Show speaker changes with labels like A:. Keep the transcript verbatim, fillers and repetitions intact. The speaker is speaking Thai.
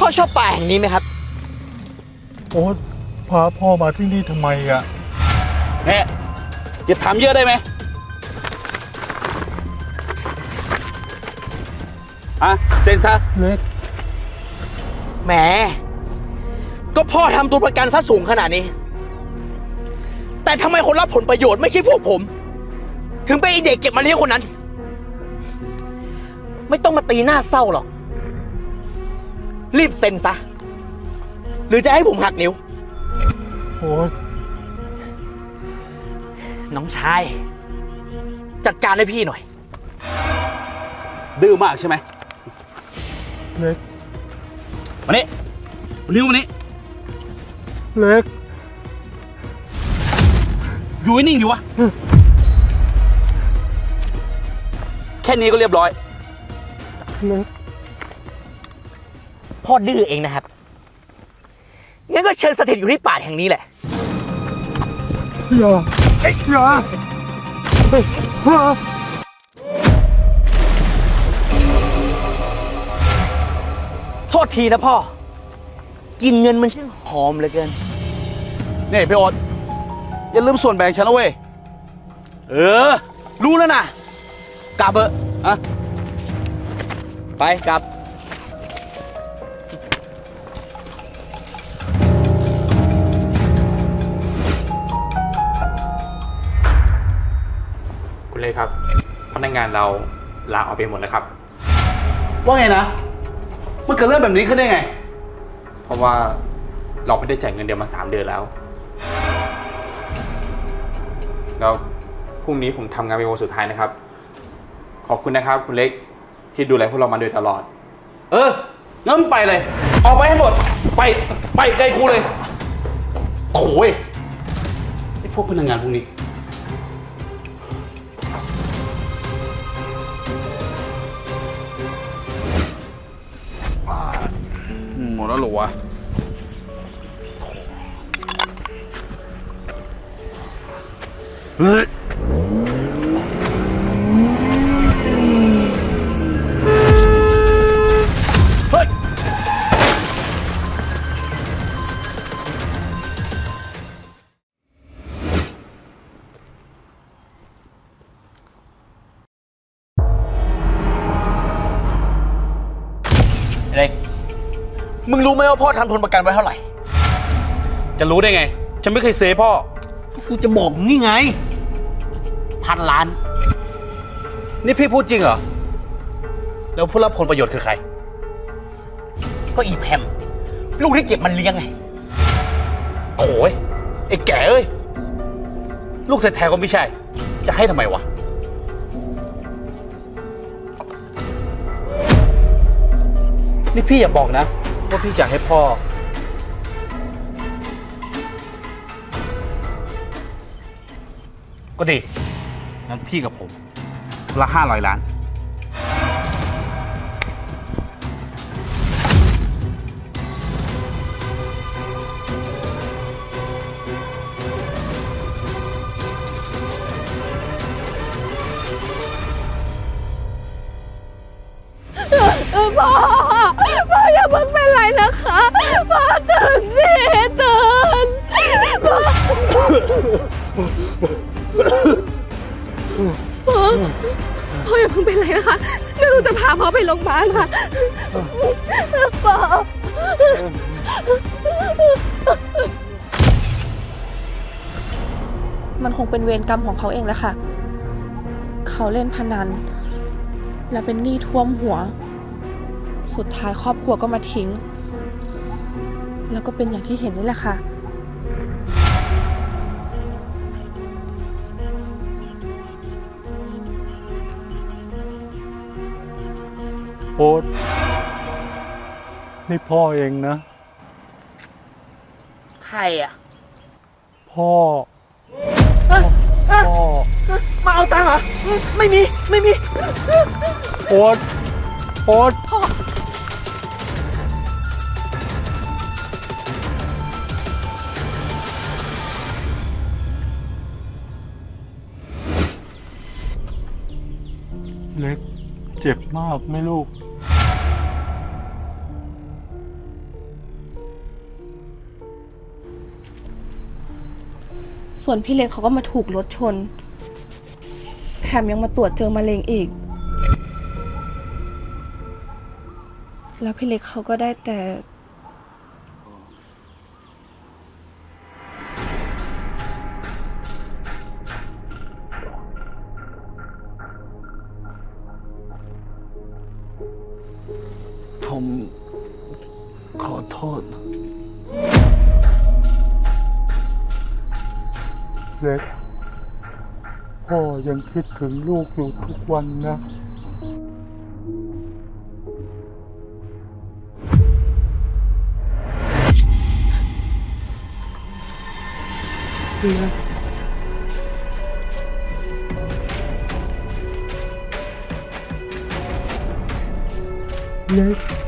A: พ่อชอบป่าแห่งนี้ไหมครับ
B: โอ๊ตพาพ่อมาที่นี่ทำไมอะ
C: เนี่ยอย่าถามเยอะได้ไหมอ่ะเซ็นซะ
B: เล็ก
A: แหมก็พ่อทำตัวประกันซะสูงขนาดนี้ แต่ทำไมคนรับผลประโยชน์ไม่ใช่พวกผม ถึงเป็นไอเด็กเก็บมาเลี้ยงคนนั้น ไม่ต้องมาตีหน้าเศร้าหรอกรีบเซ็นซะหรือจะให้ผมหักนิ้ว
B: โอ๊ย
A: น้องชายจัดการให้พี่หน่อย
C: ดื้อมากใช่ไหม
B: เล็ก
C: มานี่นิ้วมานี่
B: เล็ก
C: อยู่นิ่งดิวะแค่นี้ก็เรียบร้อย
B: เล็ก
A: พ่อดื้อเองนะครับงั้นก็เชิญสถิตอยู่ที่ป่าแห่งนี้แหละ
B: อย่าอย่า
A: โทษทีนะพ่อกินเงินมันช่างหอมเหลือเกิน
C: นี่พี่โอ๊ตอย่าลืมส่วนแบ่งฉันนะเว้ย
A: เออรู้แล้วนะกลับเถอะ
C: อะ
A: ไปกลับ
D: คุณเลยครับพนักงานเราลาออกไปหมดแล้วครับ
C: ว่าไงนะมันเกิดเรื่องแบบนี้ขึ้นได้ไง
D: เพราะว่าเราไม่ได้จ่ายเงินเดือนมาสามเดือนแล้วแล้วพรุ่งนี้ผมทำงานเป็นวันสุดท้ายนะครับขอบคุณนะครับคุณเล็กที่ดูแลพวกเรามาโดยตลอด
C: เอองั้นไปเลยออกไปให้หมดไปไปไกลกูเลยโถ่ไอ้พวกพนักงานพวกนี้หมดแล้วหรอวะเฮ้ยเฮ้ย
A: เล็กมึงรู้ไหมว่าพ่อทำทุนประกันไว้เท่าไหร่
C: จะรู้ได้ไงฉันไม่เคยเซฟพ่อ
A: กูจะบอกนี่ไงพันล้าน
C: นี่พี่พูดจริงเหรอแล้วผู้รับผลประโยชน์คือใคร
A: ก็อีแพมลูกที่เก็บมันเลี้ยงไง
C: โถ่ไอ้แก่เอ้ยลูกแท้ๆก็ไม่ใช่จะให้ทำไมวะนี่พี่อย่าบอกนะว่าพี่จะให้พ่อก็ดีงั้นพี่กับผมละห้าร้อยล้าน
E: พ่อพ่ออย่าเพิ่งเป็นไรนะคะพ่อตื่นสิตื่นพ่อพ่อพ่ออย่าเพิ่งเป็นไรนะคะเดี๋ยวหนูจะพาพ่อไปโรงพยาบาลค่ะพ่อมันคงเป็นเวรกรรมของเขาเองแหละค่ะเขาเล่นพนันและเป็นหนี้ท่วมหัวสุดท้ายครอบครัวก็มาทิ้งแล้วก็เป็นอย่างที่เห็นนี่แหละค่ะ
B: โอ๊ตนี่พ่อเองนะ
A: ใครอ่ะ
B: พ่อ
A: พ่อมาเอาตังค์เหรอไม่มีไม่มี
B: โอ๊ตโอ๊ตพ่อเล็กเจ็บมากไหมลูก
E: ส่วนพี่เล็กเขาก็มาถูกรถชน แถมยังมาตรวจเจอมะเร็งอีก แล้วพี่เล็กเขาก็ได้แต่
B: ผมขอโทษ เล็ก พ่อยังคิดถึงลูกอยู่ทุกวันนะเล็ก เล็ก